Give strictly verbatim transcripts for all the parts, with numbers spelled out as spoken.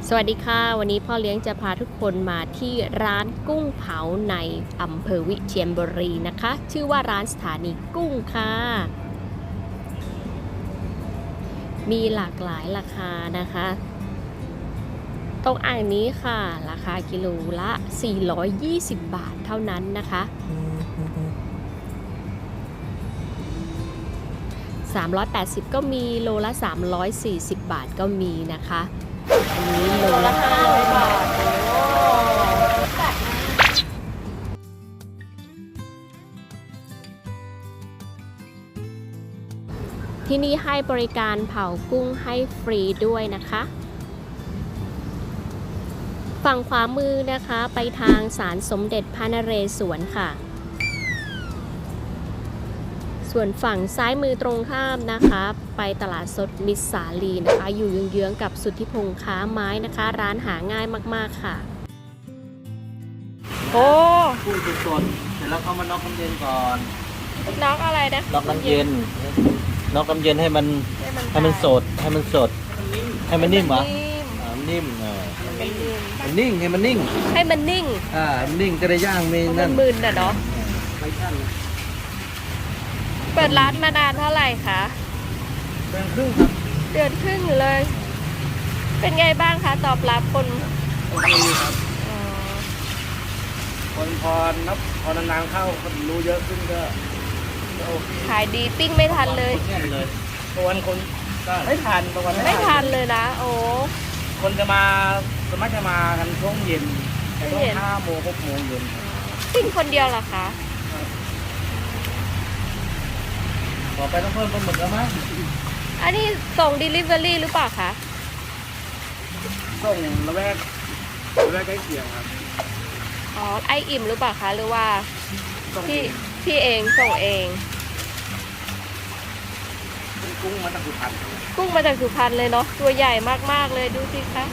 สวัสดีค่ะวันนี้พ่อเลี้ยงจะพาทุกคนมาที่ร้านกุ้งเผาในอำเภอวิเชียรบุรีนะคะชื่อว่าร้านสถานีกุ้งค่ะมีหลากหลายราคานะคะตรงอ่างนี้ค่ะราคากิโลละสี่ร้อยยี่สิบบาทเท่านั้นนะคะสามร้อยแปดสิบก็มีโลละสามร้อยสี่สิบบาทก็มีนะคะอันนี้โลละห้าร้อยบาทที่นี่ให้บริการเผากุ้งให้ฟรีด้วยนะคะฝั่งขวามือนะคะไปทางศาลสมเด็จพระนเรศวรค่ะส่วนฝั่งซ้ายมือตรงข้ามนะคะไปตลาดสดมิตรสาลีนะคะอยู่เยื้องๆกับสุทธิพงษ์ค้าไม้นะคะร้านหาง่ายมากๆค่ะโอ้กุ้งสดเสร็จแล้วเขามาน็อกน้ำเย็นก่อนน็อกอะไรนะน็อกน้ำเย็นน็อกน้ำเย็นให้มันให้มันสดให้มันสดให้มันนิ่มเหรอมันนิ่มเออมันนิ่งให้มันนิ่งให้มันนิ่งอ่ามันนิ่งก็ได้ย่างมีนั่นมึนๆน่ะเนาะเปิดร้านมานานเท่าไหร่คะเดือนครึ่งครับเดือนครึ่งเลยเป็นไงบ้างคะตอบรับคนโอเคครับคนพอนับพอนานๆเข้าคนรู้เยอะขึ้นก็โอเคขายดีปิ้งไม่ทันเลยบางวันคนไม่ทันบางวันไม่ทันเลยนะโอ้คนจะมาสมัครจะมากันช่วงเย็นช่วงห้าโมงหกโมงเย็นปิ้งคนเดียวเหรอคะต่อไปต้องเพิ่มปลาหมึกแล้วมั้ยอันนี้ส่ง delivery หรือเปล่าคะส่งละแวกละแวกใกล้เคียงครับอ๋อไออิ่มหรือเปล่าคะหรือว่าพี่พี่เองส่งเองกุ้งมาจากสุพรรณกุ้งมาจากสุพรรณเลยเนาะตัวใหญ่มากๆเลยดูสิคะ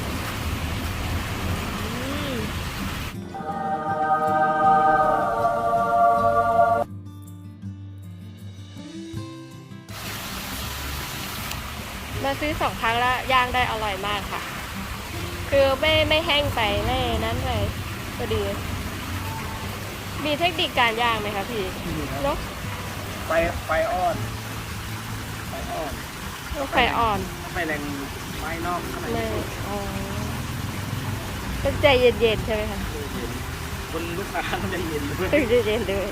มาซื้อสองครั้งแล้วย่างได้อร่อยมากค่ะคือไม่ไม่แห้งไปไม่นั้นเลยก็ดีมีเทคนิคการย่างไหมคะพี่เนาะไฟไฟอ่อนไฟอ่อนไฟอ่อนไฟแรงไฟนอกข้างในอ๋อต้องใจเย็นๆใช่ไหมคะคนลูกค้าต้องใจเย็นด้วยต้องใจเย็นด้วย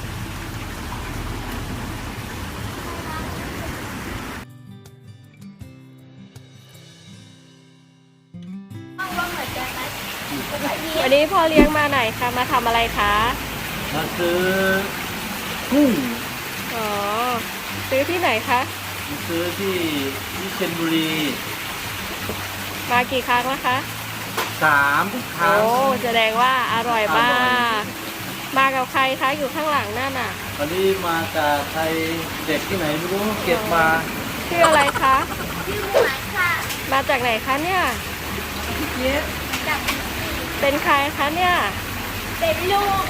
วันนี้พ่อเลี้ยงมาไหนคะมาทำอะไรคะมาซื้อกุ้งอ๋อซื้อที่ไหนคะมาซื้อที่วิเชียรบุรีมากี่ครั้งแล้วคะสามครั้งโอ้แสดงว่าอร่อยมากมากับใครคะอยู่ข้างหลังนั่นน่ะตอนนี้มาจากใครเด็กที่ไหนไม่รู้เก็บมาชื่ออะไรคะชื่อหมายค่ะมาจากไหนคะเนี่ยเยอะเป็นใครคะเนี่ยเป็นลูก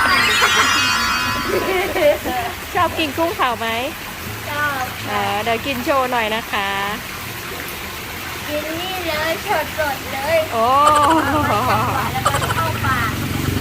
ชอบกินกุ้งเผาไหมชอบเดี๋ยวกินโชว์หน่อยนะคะกินนี่เลยสดๆเลยโอ้แล้วก็เข้าปาก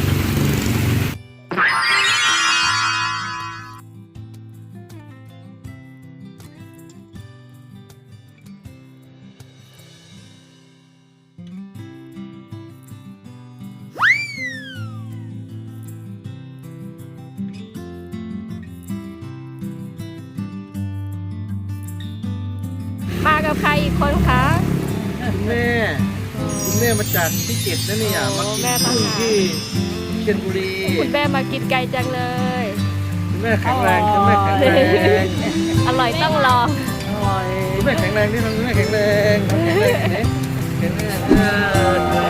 มากับใครอีกคนคะคุณแม่คุณแม่มาจากพิจิตรนะเนี่ยมากินกุ้งที่เชียงบุรีคุณแม่มากินไก่จังเลยคุณแม่แข็งแรงคุณแม่แข็งแรงอร่อยต้องลองอร่อยคุณแม่แข็งแรงนี่คุณแม่แข็งแรงแข็งแรงนี่แข็งแรง